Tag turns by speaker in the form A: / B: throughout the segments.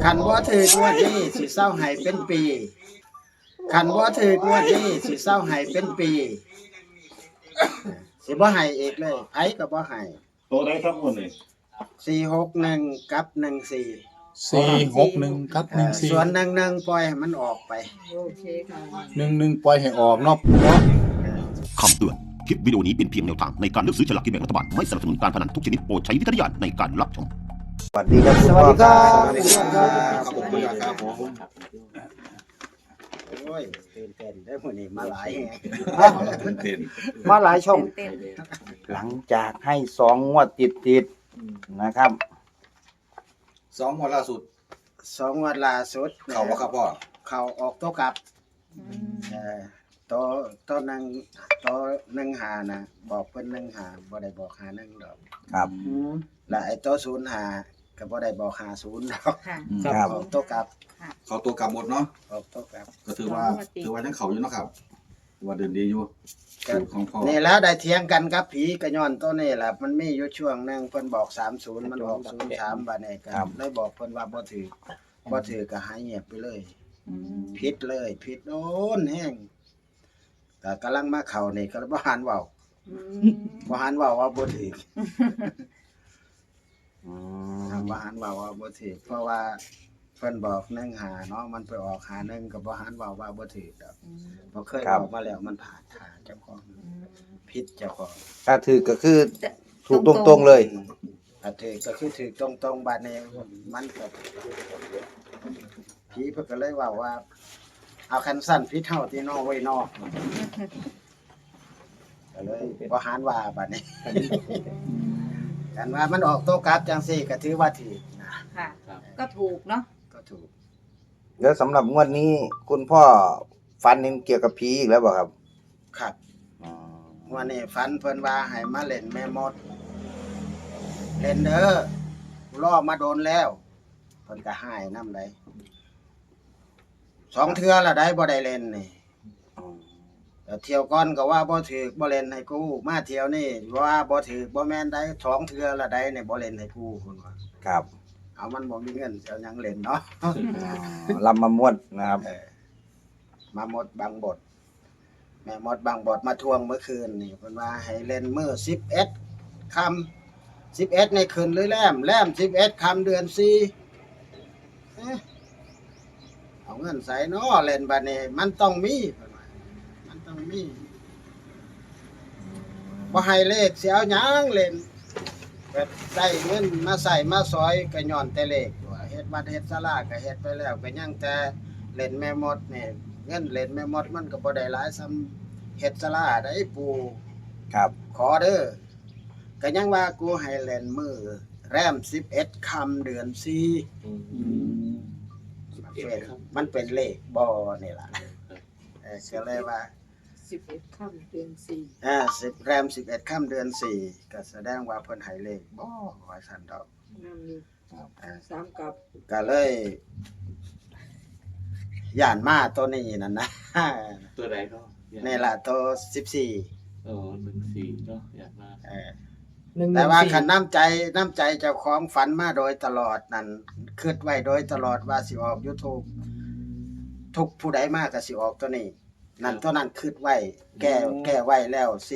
A: คันบ่ถือกงวดนี้สิเศร้าให้เป็นปีคันบ่ถือกงวดนี้สิเศร้าให้เป็นปีสิบ่ให้อีกเลยไผก็บ่ให้
B: ตัวไหนครับคนนี้
A: 461กับ14
C: 461กับ14
A: ส่วน11ปล่อยให้มันออกไป
D: โอเคค่ะ
C: 11ปล่อยให้ออกเนาะเนาะ
E: คำเตือน คลิปวิดีโอนี้เป็นเพียงแนวทางในการเลือกซื้อฉลากกินแบ่งรัฐบาล ไม่สนับสนุนการพนันทุกชนิดโปรดใช้วิจารณญาณในการรับชม
F: สวัสดีครับ
A: สวัสดีครับ
F: สวัสดีครับ
B: ขอบคุณครับผม
A: โอ้ยตื่นเต้นได้อมื้อนี้มาหลายแฮะ
B: เต้น
F: มาหลายช่อง
D: เต้น
F: หลังจากให้2 งวดติดๆนะครับ
B: 2 วันล่าสุด
A: 2งวดล่าสุด
B: เข้าบ่ครับพ่อ
A: เข้าออกโตะกลับตัวหนึงตัว1หานะบอกเพิ่น1หาบ่ได้บอกหา1ดอก
F: ครับ
A: และไอ้ตัว0หาก็บ่ได้บอกหา0ดอก
D: ค่ะ
F: ครับ
A: ออกโตะกลับ
B: เขาตัวกลับหมดเนาะ
A: ออกโตะกลับ
B: ก็ถือว่ายังเขาอยู่เนาะครับถือว่าเดินดีอยู่สูตรของพ่อ
A: นี่แล้วได้เถียงกันกับผีก็ย้อนตัวนี้ล่ะมันมีอยู่ช่วงหนึงเพิ่นบอก30มันออก03บัดนี้ก็เลยบอกเพิ่นว่าบ่ถือก็หายเงียบไปเลยผิดเลยผิดโน่นแฮงก็กำลังมาเข้านี่ก็บ่หันเว้าบ่หันเว้าว่าบ่ถือ บ่หันเว้าว่าบ่ถือเพราะว่าเพิ่นบอก1หาเนาะมันไปออกหา1ก็บ่หันเว้าว่าบ่ถือดอกบ่เคยบอกมาแล้วมันผ่านทางเจ้าของผิดเจ้าของ
F: ถ้าถือก็คือถูกตรงๆเลย
A: ถ้าถือก็คือถือตรงๆบัดนี้มันก็ผีเพิ่นก็เลยเว้าว่าเอาคันสั้นผิดเฮาที่นอไว้นอกก็เลยบ่หันว่าบัดนี้ กันว่ามันออกโตะกลับจังซี่ก็ถือว่าถูกนะ
D: ค่ะ ก็ถูกเนาะ
A: ก็ถูก
F: แล้วสำหรับงวดนี้คุณพ่อฟันเห็นเกี่ยวกับผีอีกแล้วบ่ครับ
A: ครับ วันนี้ฝันเพิ่นว่าให้มาเล่นแม่มดเล่นเด้อรอมาโดนแล้วเพิ่นก็หายนำได้2เทื่อละได้บ่ได้เล่นนี่แต่เที่ยวก่อนก็ว่าบ่ถูกบ่เล่นให้กูมาเที่ยวนี้ว่าบ่ถูกบ่แม่นได้2เทื่อละได้นี่บ่เล่นให้กูเพิ่นว่า
F: ครับ
A: เอามันบ่มีเงินสิเอาหยังเล่นเนาะ
F: ลำมามวดนะครับ
A: มาหมดบางบทแม่หมดบางบทมาทวงเมื่อคืนนี่เพิ่นว่าให้เล่นมื้อ11ค่ำ11ในคืนหรือแล้ม11ค่ำเดือน4เอาเงินใส่เนาะเล่นบัดนี้มันต้องมีเพิ่นว่ามันต้องมีบ่ให้เลขสิเอาหยังเล่นแบบได้เงินมาใส่มาซอยก็ย้อนแต่เลขตัวเฮ็ดวัดเฮ็ดศาลาก็เฮ็ดไปแล้วก็ยังแต่เล่นแม่มดนี่เงินเล่นแม่มดมันก็บ่ได้หลายส่ำเฮ็ดศาลาได้ปู่
F: ครับ
A: ขอเด้อก็ยังว่ากูให้เล่นมื้อแรม11ค่ำเดือน4มันเป็นเลขบ่นี่ล่ะก็เลยว่า
D: 11ค่ำเดือน
A: 10แรม11ค่ำเดือน4ก็แสดงว่าเพิ่นให้เลขบ่ว่าซั่นดอก
D: 4นำนี่3กับ
A: ก็เลยย่านมาตัวนี้นั่นนะ
G: ตัวไหนก็
A: นี่ล่ะตัว14
G: 14เนาะอยากมา
A: แต่ว่าคันน้ำใจเจ้าของฝันมาโดยตลอดนั่นคิดไว้โดยตลอดว่าสิออก YouTube ทุกผู้ใดมาก็สิออกตัวนี้นั่นตัวนั้นคิดไว้แก้ไว้แล้ว461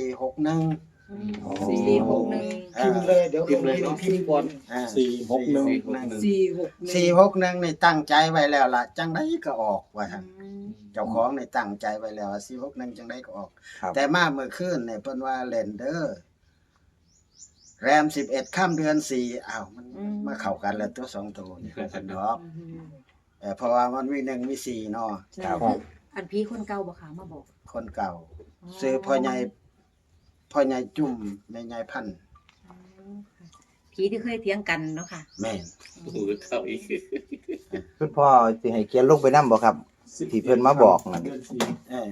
D: 461
A: พิมพ์เลยเดี๋ยว
G: พิมพ์เลยเนาะ
A: พิมพ์ก่อน
C: 461
A: 461นี่ตั้งใจไว้แล้วล่ะจังไดก็ออกว่าซั่นเจ้าของนี่ตั้งใจไว้แล้วว่า461จังไดก็ออก
F: ครับ
A: แต่มาเมื่อคืนนี่เพิ่นว่าเล่นเด้อแรม11ค่ำเดือน4อ้าวมันมาเข้ากันแล้วตัว2ตัวนี่ซั่นดอกเพราะว่ามันมี1มี4เนาะ
F: ครับ
D: อันพี่คนเก่าบ่ค่ะมาบอก
A: คนเก่าซื้อพ่อใหญ่จุ่มแม่ใหญ่พันธุ์
D: ผีที่เคยเถียงกันเนาะค่ะ
A: แม่น
G: โอ้โหเท่าอีก
F: คุณพ่อสิให้เขียนลงไปนำบ่ครับ ที่เพิ่นมาบอกนั่น
A: เออ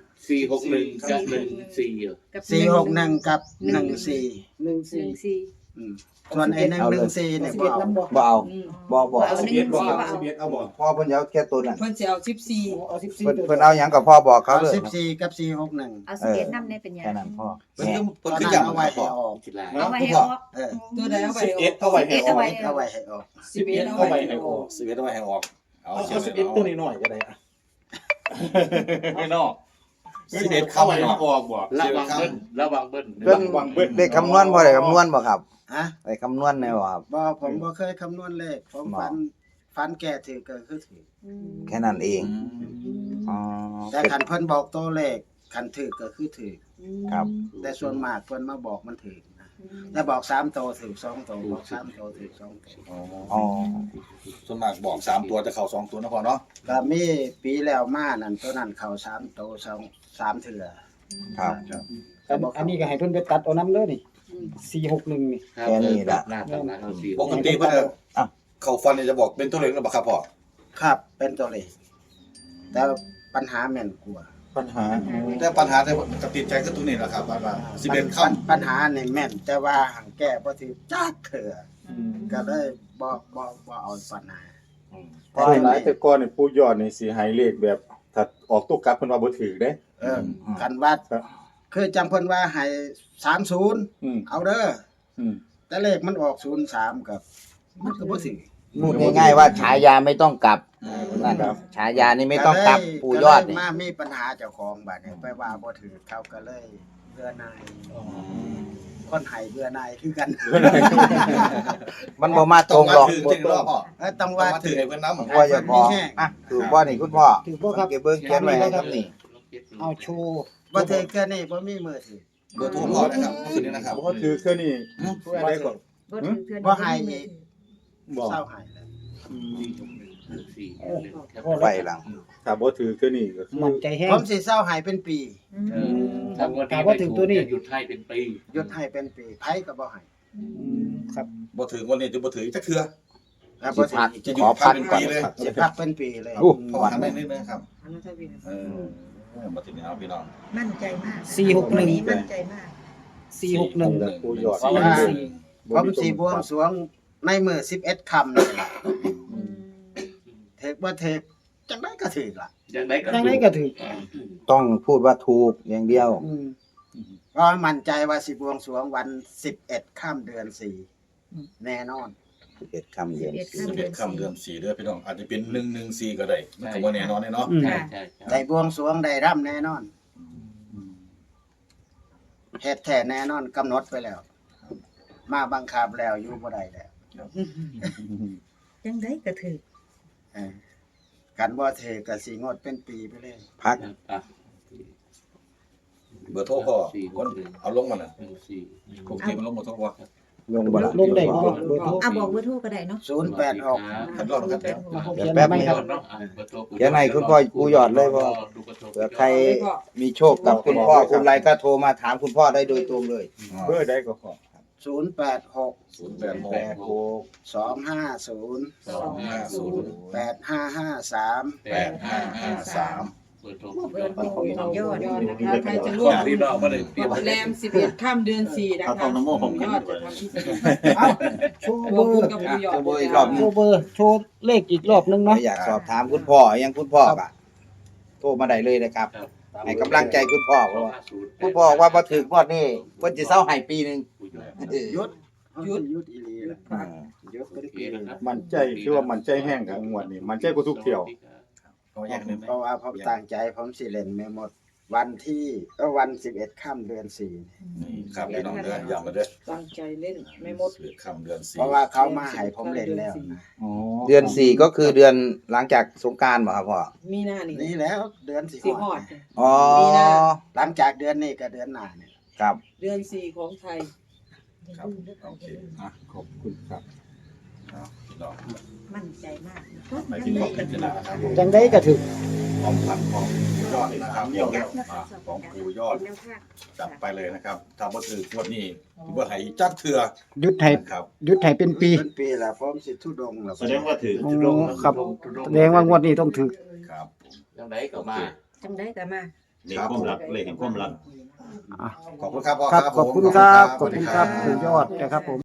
G: 461กับ14เหรอ
D: กับ
A: 461กับ14
D: 14
A: ส่วนไอ้114เนี่ยบ่เอา
F: บ่เอาบ่
D: เอาหนึ่ง
C: บ่
D: สี่
C: ครับ
D: ว่าเอา
C: 11เอาบ่
F: พ่อเพิ่นจะเอาแค่ตัวนั้น
H: เพิ่นสิเอา14เอา14
F: เพิ่นเอาหยังกับพ่อบอกเขา
A: เอา
F: เลย
A: 14กับ461
D: เอา11นำได้เป็นหยัง
F: แค่นั้นพ่อ
B: เพิ่น
F: แห
B: คือ
F: ม่
B: เพิ่นคือย้ำ
A: เอา
B: เอา
A: ไว้
B: ไว้
A: ให้
B: พ่อ
A: ออก
G: กีฬา
D: เอาไว้ให้ออก
A: เออ
H: ตัวใดเอาไป
C: 11เอาไว้ให้ออก
A: เอาไว้ให้ออก
H: 11
C: เอาไว้ให้ออก
B: 11เอาไว้ให้ออกเอา
C: เอา
B: เขียนไว้
C: 11ตัวนี้หน่อยก็ได้อะ
G: ไม่นอก
B: 11เข้า
C: เอา
B: ไป
C: ไว้
B: เนาะ
C: ออกบ่
G: ระวังเบิ้ลระวังเบิ้ล
F: เพิ่น
C: วางเบิ้ล
F: ได้คำนวณพ่อได้คำนวณบ่ครับ
A: ฮะ
F: ได้คำนวณแน่บ่ครับ
A: บ่ผมบ่เคยคำนวณเลขผมฟันแก่ถือก็คือถือ
F: แค่นั้นเองอ๋อ
A: แต่คันเพิ่นบอกตัวเลขคันถือก็คือถือ
F: ครับ
A: แต่ส่วนมากเพิ่นมาบอกมันถือนะแต่บอก3ตัวถือ2ตัวบอก3ตัวถือ2ตัว
F: อ๋อ
B: ส่วนมากบอก3ตัวจะเข้า2ตัวนะพ่อเนาะ
A: ก็มีปีแล้วมานั่นตัวนั้นเข้า3ตัว3เทื่อ
F: ครับ
I: อันนี้ก็ให้เพิ่นไปตัดเอาน้ำเด้อนี่461นี่
F: แค่นี้ล่ะ
G: หน้าตำนานเขาสี่
B: ปกติเพิ่นจะเข้าฟันนี่จะบอกเป็นตัวเลขหรือเปล่าครับพ่อ
A: ครับเป็นตัวเลขแต่ปัญหาแม่นกว่า
C: ปัญหา
B: แต่ปัญหาแต่กับติดใจก็ตัวนี้แหละครับว่า11ค่ำ
A: ปัญหานี่แม่นแต่ว่าหังแก้บ่ถือจักเทื่อก็เลยบ่เอาปัญหา
C: เพราะหลายแต่ก่อนนี่ปู่ยอดนี่สิให้เลขแบบถ้าออกตัวกลับเพิ่นว่าบ่ถูกเด้
A: กันว่า
C: ครับ
A: คือจำเพิ่นว่าให้30
C: อืม
A: เอาเด้อ
C: อืม
A: แต่เลขมันออก03กับมันก็บ่ถือ
F: พูดง่ายๆว่าฉายาไม่ต้องกลับนั่นฉายานี่ไม่ต้องกลับปู่ยอด
A: ก็เล
F: นี่
A: มามีปัญหาเจ้าของบัดนี้ไปว่าบ่ถือเขาก็เลยเบื่อหน่ายคนให้เบื่อหน่ายคือกัน
F: มันบ่มาตรงหรอก
B: ถึงจริงรอบพ่อ
A: ต้อง
B: ว่า
A: ว่า
B: ถึ
A: ถื
B: ง
A: อ
B: ให้เพิ่นนำ
F: พ่ออย่าพออ่ะถูกบ่นี่คุณพ่อ
I: ถูกบ่ครับ
F: เก็บเบิ่งเขียนไว้ให้ครับนี่
I: เอาโชว์
A: บ่ถือแค่นี้บ่มีมือถือ
B: เบอร์โทรพ่อนะครับคืนนี้นะครับ
C: บ่ถือคือนี่ไว้ก่อน
D: บ่ถือเทื่อ
A: บ่ให้อีก
C: บ่
A: เศร้าให้แล้ว
G: สี่
F: ไปหลัง
C: ถ้าบ่ถือคือนี่ก็คือ
I: มั่นใจแฮง
A: ผมสิเศร้าให้เป็นปี
G: ถ้าวันนี้ไม่ถูกจะหยุดให้เป็นปี
A: หยุดให้เป็นปีไผก็บ่ให้
I: ครับ
B: บ่ถึงวันนี้จะบ่ถึงจักเทื่อ
A: แล้ว
F: สิ
A: บ่ถื
F: พั
A: อก อีก
B: จะห
F: ข
B: ยุ
F: อ
B: ด
F: พัก
B: เป็น
F: ก่อน
B: ปีเลย
A: สิพักเป็นปีเลย
F: อู้
B: พ่อหันไปนิดนึงครับ
H: อันนั้นเท่าพี่
B: เออบ่ถึงเอาพี่น้อง
D: มั่นใจมาก
I: 461
D: วันนี้มั่นใจมาก
I: 461
C: ปู่ยอด
A: เพราะว่าผมสิบวงสรวงในมื้อ11ค่ำนี่ล่ะเทกบ่เทกจังได๋ก็ถือล่ะ
G: ยังไงก็
I: จังได๋ก็ถูก
F: ต้องพูดว่าถูกอย่างเดียว
A: เพราะมั่นใจว่าสิบวงสรวงวัน11ค่ำเดือน4แน่นอน
F: 11ค่ำเดือน
B: 11ค่ำเดือน4เด้อพี่น้องอาจจะเป็น114ก็ได้มันก็บ่แน่นอนเนาะ
G: ใช่ใช่
A: ได้บวงสรวงได้ร่ำแน่นอนเฮ็ดแท้แน่นอนกำหนดไปแล้ว มาบังคับแล้วอยู่บ่ได้แล้ว
D: จังได๋ก็ถือ
A: เออกันบ่เทก็สิงดเป็นปีไปเลย
F: พัก
B: เบอร์โทรพ่อคนเอาลงมาน่ะ
G: สี่
B: ปกติมันลงหมดทุกวัน
F: ลงบ่ล่ะ
I: ลงได้บ่เบอร์โทร
D: อ่ะบอกเบอร์โทรก็ได้เนาะ
A: 086
B: คันรอบครับ
F: เดี๋ยวแป๊บนึงครับ เดี๋ยวให้คุณพ่อปู่ยอดเลยว่าเผื่อใครมีโชคกับคุณพ่อคุณไรก็โทรมาถามคุณพ่อได้โดยตรงเลย
C: เบอร์ใดก็พอ
A: 086
B: 086
A: 250
B: 250
A: 8553
B: 8553
G: เปิดโทร
D: เบอร์โทรของยอด
H: ยอดนะคะใครจะร่วม
G: พี่น้องมาเลยเตรียม
H: แรม11ค่ำเดือน4นะคะยอดจะทำพิเศษ
I: เอาโชว์
H: ร
I: เบ
H: ว
I: อ
H: มบุญ
I: ร์
H: กับผู้ยอด
F: โชว์เบอร์อีกรอบหนึ่
I: โชว์เบอร์โชว์เลขอีกรอบนึงเนาะ
F: อยากสอบถามคุณพ่อยังคุณพ่อก็โทรมาได้เลยนะครับให้กำลังใจคุณพ่อเพราะว่าคุณพ่อว่าบ่ถึงงวดนี้เพิ่นสิเซาให้ปีหนึง
A: หยุดหยุดอีหลีล่ะหยุดเป็นปี
C: มั่นใจคือว่ามั่นใจแห้งกับงวดนี้มั่นใจกว่าทุกเที่ยว
B: เอาอย่างนึง
A: เพราะว่าผมตั้งใจผมสิเล่นแม่หมดวันที่วัน11ค่ำเดือน4
B: นี่ครับพี่น้องเด้อย้ำมาเด้อ
H: ตั้งใจเล่นไม่หมด
B: 11ค่ำเดือน4
A: เพราะว่าเขามาให้ผมเล่นแล้วนะ
C: อ๋อ
F: เดือน4ก็คือเดือนหลังจากสงกรานต์บ่ครับพ่อ
H: มีหน้านี่
A: นี่แล้วเดือนสิ
H: สิ
A: ฮ
H: ฮ
A: อ
H: อ
A: ด
H: ด
F: อ๋อ
A: หลังจากเดือนนี้ก็เดือนหน้าเนี่ย
F: ครับ
H: เดือน4ของไทย
B: ครับโอเค
C: อ่ะขอบคุณครับ
B: พี่น้อง
D: มั่นใจมาก
B: ไปที่ขอบพิจารณาครับ
I: จังได๋ก็ถูก
B: ของพันของปู่ยอดนะครับของปู่ยอดจับไปเลยนะครับถ้าบ่ถืองวดนี้บ่ให้จักเทื่อ
I: หยุดให้
B: ครับ
I: หยุดให้เป็นปี
A: เป็นปีละผมสิทุดงแล้ว
G: แสดงว่าถือ
I: อ๋อครับแสดงว่างวดนี้ต้องถูก
B: ครับ
G: ยังไงก็มา
D: จังได๋ก็มา
B: เลขความรักเลขแห่งความรัก
I: อ่ะ
B: ขอบคุณครับพ่อ
I: ครับ
B: ครับ
I: ขอบคุณครับ
B: ผม
I: ขอบคุณครับคุณยอดนะครับผม